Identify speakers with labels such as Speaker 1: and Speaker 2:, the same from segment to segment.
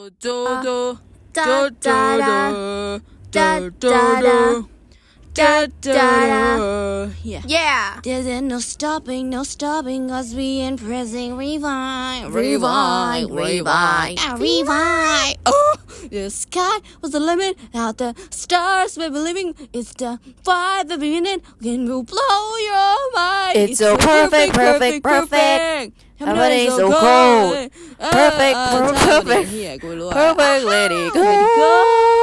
Speaker 1: Yeah.
Speaker 2: There's no stopping, cause we in pressing rewind. Oh, the sky was the limit, out the stars we're believing. It's the fire that we in, will blow your mind.
Speaker 1: It's so perfect. Everybody's so cold. Perfect. Perfect, let it go.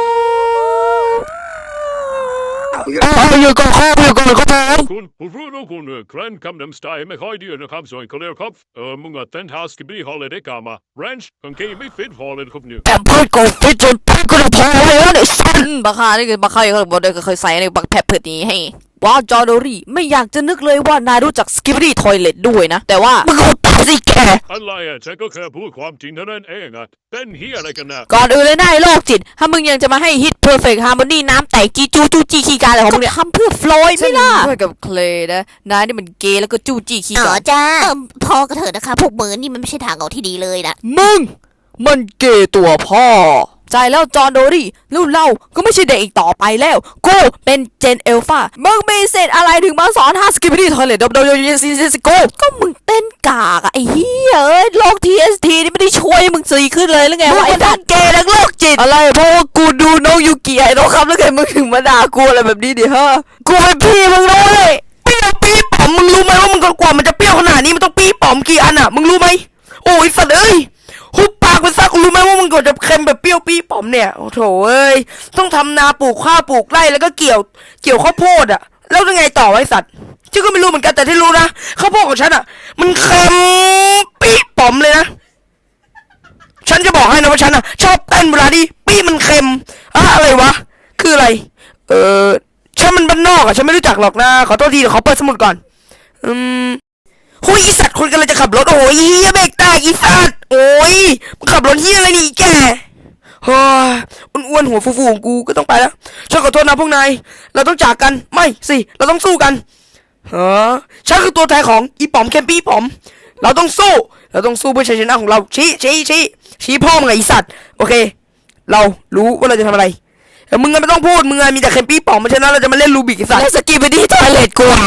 Speaker 3: Kun kun kran kam dem steg med højdyr kom så en kolder kop många den har skal blive holdet det gamma ranch kan give mig fedt holdet kop nu
Speaker 1: แต่พูดกูฟิตจนพูดกูพอแล้วไอ้สันบักฮานี่คือบักฮาเขาบอกได้ก็เคยใส่ในบักแพปเพิร์ดนี้ให้ว้าวจอร์โดรี่ไม่อยากจะนึกเลยว่านายรู้จักสกิปปี้ทอยเลทด้วยนะแต่ว่ามึงเอาตาสิแก
Speaker 3: อะไรอ่ะฉันก็แค่พูดความจริงเท่านั้นเองอ่ะเป็นเฮียอะไรกันนะ
Speaker 1: ก่อนอื่นเลยนายโรคจิตถ้ามึงยังจะมาให้ฮิตเพอร์เฟกต์ฮาร์โมนีน้ำแตกจีจูจูจีขี้กาอะไรของมึงเนี่ยทำเพื่อฟลอยด์ไม่ล่ะด้วยกับเคลย์นะนายนี่มันเกย์แล้วก็จูจีขี้กา
Speaker 2: จ้าพอกันเถอะนะคะพวกมือนี่มันไม่ใช่ทางออกที่ดีเลยนะ
Speaker 1: มึงมันเกย์ตัวพ่อใจแล้วจอร์โดรี่รุ่นเราก็ไม่ใช่เด็กอีกต่อไปแล้วกูเป็นเจนเอลฟามึงมีเศษอะไรถึงมาสอนฮาสกิปปี้ทอยเลทโดยก็มึงเต้นกากอะไอ้เหี้ยโรค TST นี่ไม่ได้ช่วยมึงซีขึ้นเลยหรือไงวะไอ้ทั้งเกย์ทั้งโรคจิตอะไรเพราะว่ากูดูน้องยูกิไอ้น้องครับแล้วไงมึงถึงมาด่ากูอะไรแบบนี้ดิฮะกูเป็นพี่มึงรู้เลย
Speaker 4: เปรี้ยวปี๊ป๋อมมึงรู้ไหมว่ามึงกว่ามันจะเปรี้ยวขนาดนี้มันต้องปี๊ป๋อมกี่อันอ่ะมึงรู้ไหมโอ้ยสัตว์เอ้ยหุบปากไปซะกูรู้ไหมว่ามึงกว่าจะเค็มแบบเปรี้ยวปี๊ป๋อมเนี่ยโอ้โถเอ้ยต้องทำนาปลูกข้าวปลูกไร่แล้วก็เกี่ยวข้าวโพดอ่ะแล้วยังไงต่อไอ้สัตว์ฉันก็ไม่รู้เหมือนกันแต่ที่รู้นะข้าวโพดของฉันอ่ะมันเค็มปี๊ป๋อมเลยนะฉันจะบอกให้นะว่าฉันอ่ะชอบเต้นเวลาที่ปี๊มันเค็มอะไรวะคืออะไรฉันมันบ้านนอกอ่ะฉันไม่รู้จักหรอกนะขอโทษทีเดี๋ยวขอเปิดสมุดก่อนโอ้ยอีสัตว์คนกำลังจะขับรถโอ้ยเฮียเบรกแตกอีสัตว์โอ้ยมึงขับรถเฮียอะไรนี่แกเฮ้ยอ้วนๆหัวฟูๆของกูก็ต้องไปแล้วฉันขอโทษนะพวกนายเราต้องจากกันไม่สิเราต้องสู้กันฉันคือตัวแทนของอีป๋อมแคมปี้ป๋อมเราต้องสู้เพื่อชัยชนะของเราชี้พ่อมึงไงอีสัตว์โอเคเรารู้ว่าเราจะทำอะไรมึงก็ไม่ต้องพูดมึงมีแต่แคมปี้ป๋อมมาชนะเราจะมาเล่นรูบิกอีสัตว์
Speaker 1: แล้วสกีไปที่ทอยเลทกูอ่ะ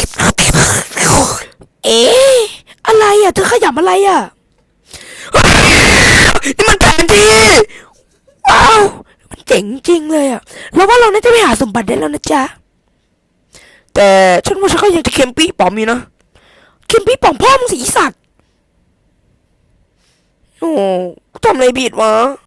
Speaker 4: อะไรอ่ะเธอขยับอะไรอ่ะนี่มันแผนที่ว้าวมันเจ๋งจริงเลยอ่ะแล้วว่าเราน่าจะไปหาสมบัติได้แล้วนะจ๊ะแต่ฉันว่าฉันก็ยังจะเค็มปี้ป๋อมอยู่นะเค็มปี้ป๋อมพ่อมึงสีสัตว์โอ้ทำอะไรผิดวะ